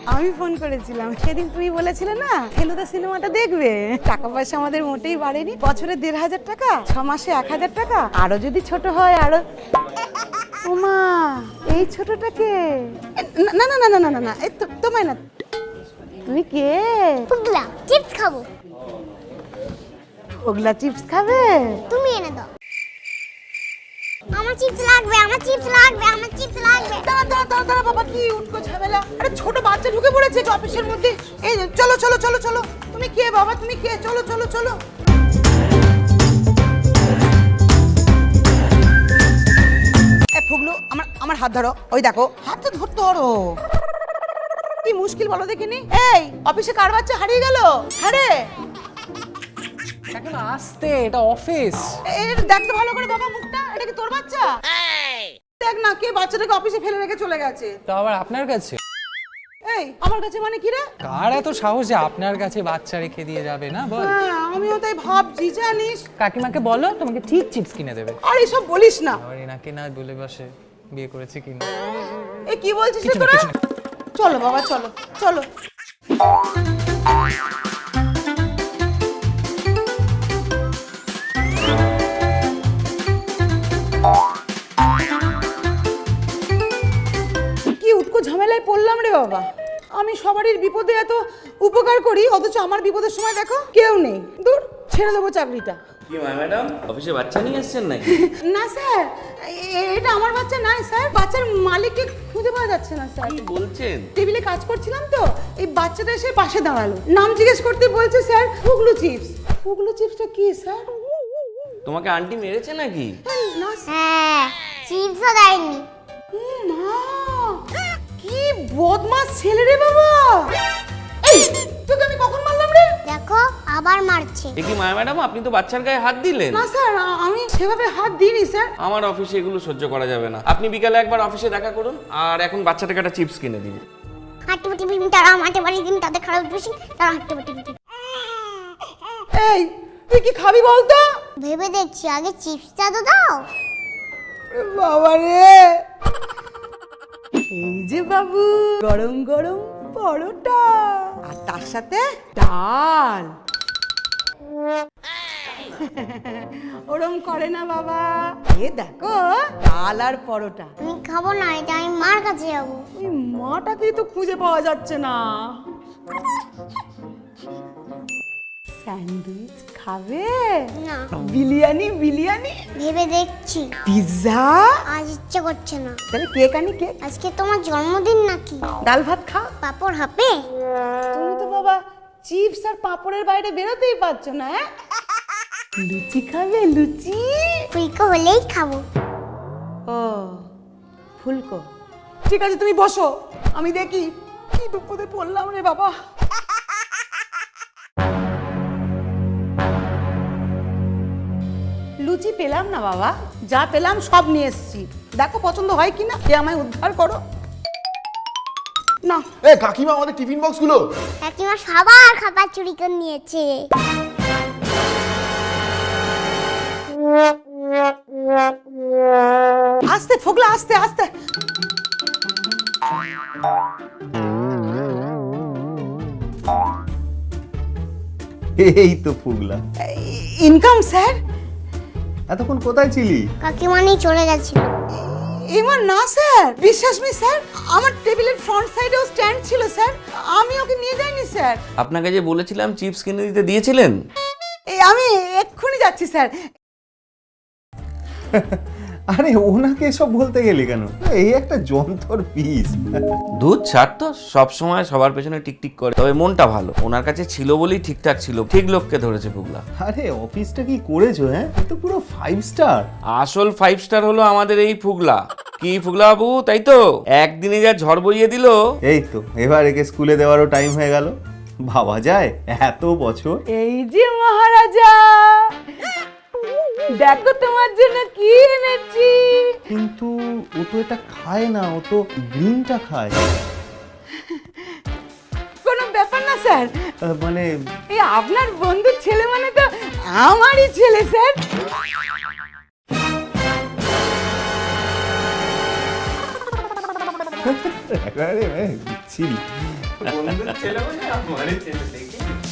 আমি ফোন করেছিলাম, সেদিন তুমি বলেছিলে না ফেলুদা সিনেমাটা দেখবে। টাকা পয়সা আমাদের মোটেই বাড়েনি, বছরে ১,৫০০ টাকা, ৬ মাসে ১,০০০ টাকা, আরো যদি ছোট হয় আরো। ওমা, এই ছোটটাকে? না না না না না না না, এই তোমায় না। তুমি কে? পুগলা, চিপস খাবো। ওগুলা চিপস খাবে? তুমি এনে দাও। আমার চিপস লাগবে, আমার চিপস লাগবে, আমার চিপস লাগবে। দাঁড়া দাঁড়া দাঁড়া দাঁড়া বাবা, কি উঠকো ঝামেলা! আরে ছোট বাচ্চা ঢুকে পড়েছে তো অফিসের মধ্যে। এই চলো চলো চলো চলো। তুমি কে বাবা, তুমি কে? চলো চলো চলো। এ ফুগলু, আমার আমার হাত ধরো। ওই দেখো, হাত তো ধরতে ধরো। কি মুশকিল বলো দেখিনি। এই অফিসে কার বাচ্চা হারিয়ে গেল? হ্যাঁ রে, এখন আসতে, এটা অফিস। এর দেখতে ভালো করে বাবা মুখটা। এটা কি তোর বাচ্চা? দেখ না, কে বাচ্চাটাকে অফিসে ফেলে রেখে চলে গেছে। তো আবার আপনার কাছে? এই আমার কাছে মানে কি রে? কার এত সাহস যে আপনার কাছে বাচ্চা রেখে দিয়ে যাবে? না বল। হ্যাঁ, আমিও তাই ভাবছি জানিস। কাকিমাকে বলো তোমাকে ঠিক চিপস কিনে দেবে। আর এসব বলিস না। আবার এনাকে না বলে বসে বিয়ে করেছে কিনা। এ কি বলছিস রে কিছু না, তোরা? কিছু না। চলো বাবা চলো চলো। কি উটকো ঝামেলায় পড়লাম রে বাবা। আমি সবারই বিপদে এত উপকার করি, অথচ আমার বিপদের সময় দেখো কেউ নেই। দূর, ছেড়ে দেবো চাকরিটা। কি ম্যাডাম, অফিসে বাচ্চা নিয়ে এসেছেন নাকি? না স্যার, এটা আমার বাচ্চা নয় স্যার। বাচ্চার মালিককে খুঁজে পাওয়া যাচ্ছে না স্যার। কি বলছেন? টেবিলে কাজ করছিলাম তো, এই বাচ্চাটা এসে পাশে দাঁড়ালো। নাম জিজ্ঞেস করতে বলছে স্যার ফুগলু চিপস। ফুগলু চিপসটা কি স্যার? তোমাকে আন্টি মেরেছে নাকি? না হ্যাঁ, চিপসও দেয়নি। মা, কি বদমাস ছেলে রে বাবা। এই তোকে আমি কখন মারলাম রে? দেখো, আবার মারছে। এ কি ম্যাডাম, আপনি তো বাচ্চার গায়ে হাত দিলেন। না স্যার, আমি সেভাবে হাত দিইনি স্যার। আমার অফিসে এগুলো সহ্য করা যাবে না। আপনি বিকালে একবার অফিসে দেখা করুন, আর এখন বাচ্চাটাকে একটা চিপস কিনে দিন। হাঁটতে পাটি বিম তারা মাঠে বাড়ি দিন, তাদের খারাপ বেশি, তারা হাঁটতে পাটি বিম। এই তুই কি খাবি বলতো? ভেবে দেখছি, আগে চিপসটা তো দাও। বাবা রে, এই যে বাবু, গরম গরম পরোটা আর তার সাথে ডাল। ওরম করে না বাবা, এ দেখো ডাল আর পরোটা। আমি খাবো না, এটা আমি মার কাছে যাবো। ওই মাটাকেই তো খুঁজে পাওয়া যাচ্ছে না। স্যান্ডউইচ খাবে? না, বিরিয়ানি বিরিয়ানি, ভেবে দেখছি, পিৎজা? আজ ইচ্ছে করছে না। তাহলে কেক আনি কেক। আজকে তোমার জন্মদিন নাকি? ডাল ভাত খাও। পাপড় হাপে? তুমি তো বাবা চিপস আর পাঁপড়ের বাইরে বেরোতেই পারছো না। হ্যাঁ, লুচি খাবে? লুচি? ফুলকো হলেই খাবো। ও ফুলকো, ঠিক আছে তুমি বসো, আমি দেখি কি বিপদে পড়লাম রে বাবা। লুচি পেলাম না বাবা, যা পেলাম সব নিয়ে এসেছি। দেখো পছন্দ হয় কিনা, কে আমায় উদ্ধার করো না। এ কাকিমা, আমাদের টিফিন বক্সগুলো। কাকিমা সবার খাবার চুরি করে নিয়েছে। আস্তে ফোগলা, আস্তে আস্তে। এই তো ফুগলা। Income sir. এতক্ষণ কোথায় ছিলি? কাকিমা নিয়ে চলে গেছিল। এবার না স্যার, বিশ্বাস মি স্যার, আমার টেবিলের ফ্রন্ট সাইডেও স্ট্যান্ড ছিল স্যার, আমি ওকে নিয়ে যাইনি স্যার। আপনাকে যে বলেছিলাম চিপস কিনে দিতে, দিয়েছিলেন? এই আমি এক্ষুনি যাচ্ছি স্যার। আরে ওনাকে এসব বলতে গেলি কেন? এই একটা যন্ত্র পিস। দুধ ছাড় তো, সব সময় সবার পেছনে টিকটিক করে। তবে মনটা ভালো, ওনার কাছে ছিল বলেই ঠিকঠাক ছিল। ঠিক লোককে ধরেছে পুগলা। আরে অফিসটা কি করেছো? হ্যাঁ, এ তো পুরো 5 স্টার। আসল 5 স্টার হলো আমাদের এই ফুগলা। কি ফুগলা বাবু, তাই তো? একদিনে যা ঝড় বইয়ে দিল। এই তো এবার একে স্কুলে দেওয়ারও টাইম হয়ে গেল। ভাবা যায় এত বছর। এই যে মহারাজা, দেখো তোমার জন্য কি এনেছি। কিন্তু ও তো এটা খায় না, ও তো গ্রিনটা খায়। কোনো ব্যাপার না স্যার, মানে এই আপনার বন্ধুর ছেলে মানে তো আমারই ছেলে স্যার। আরে ছিলি বন্ধুর ছেলে মানে আমারই ছেলে দেখি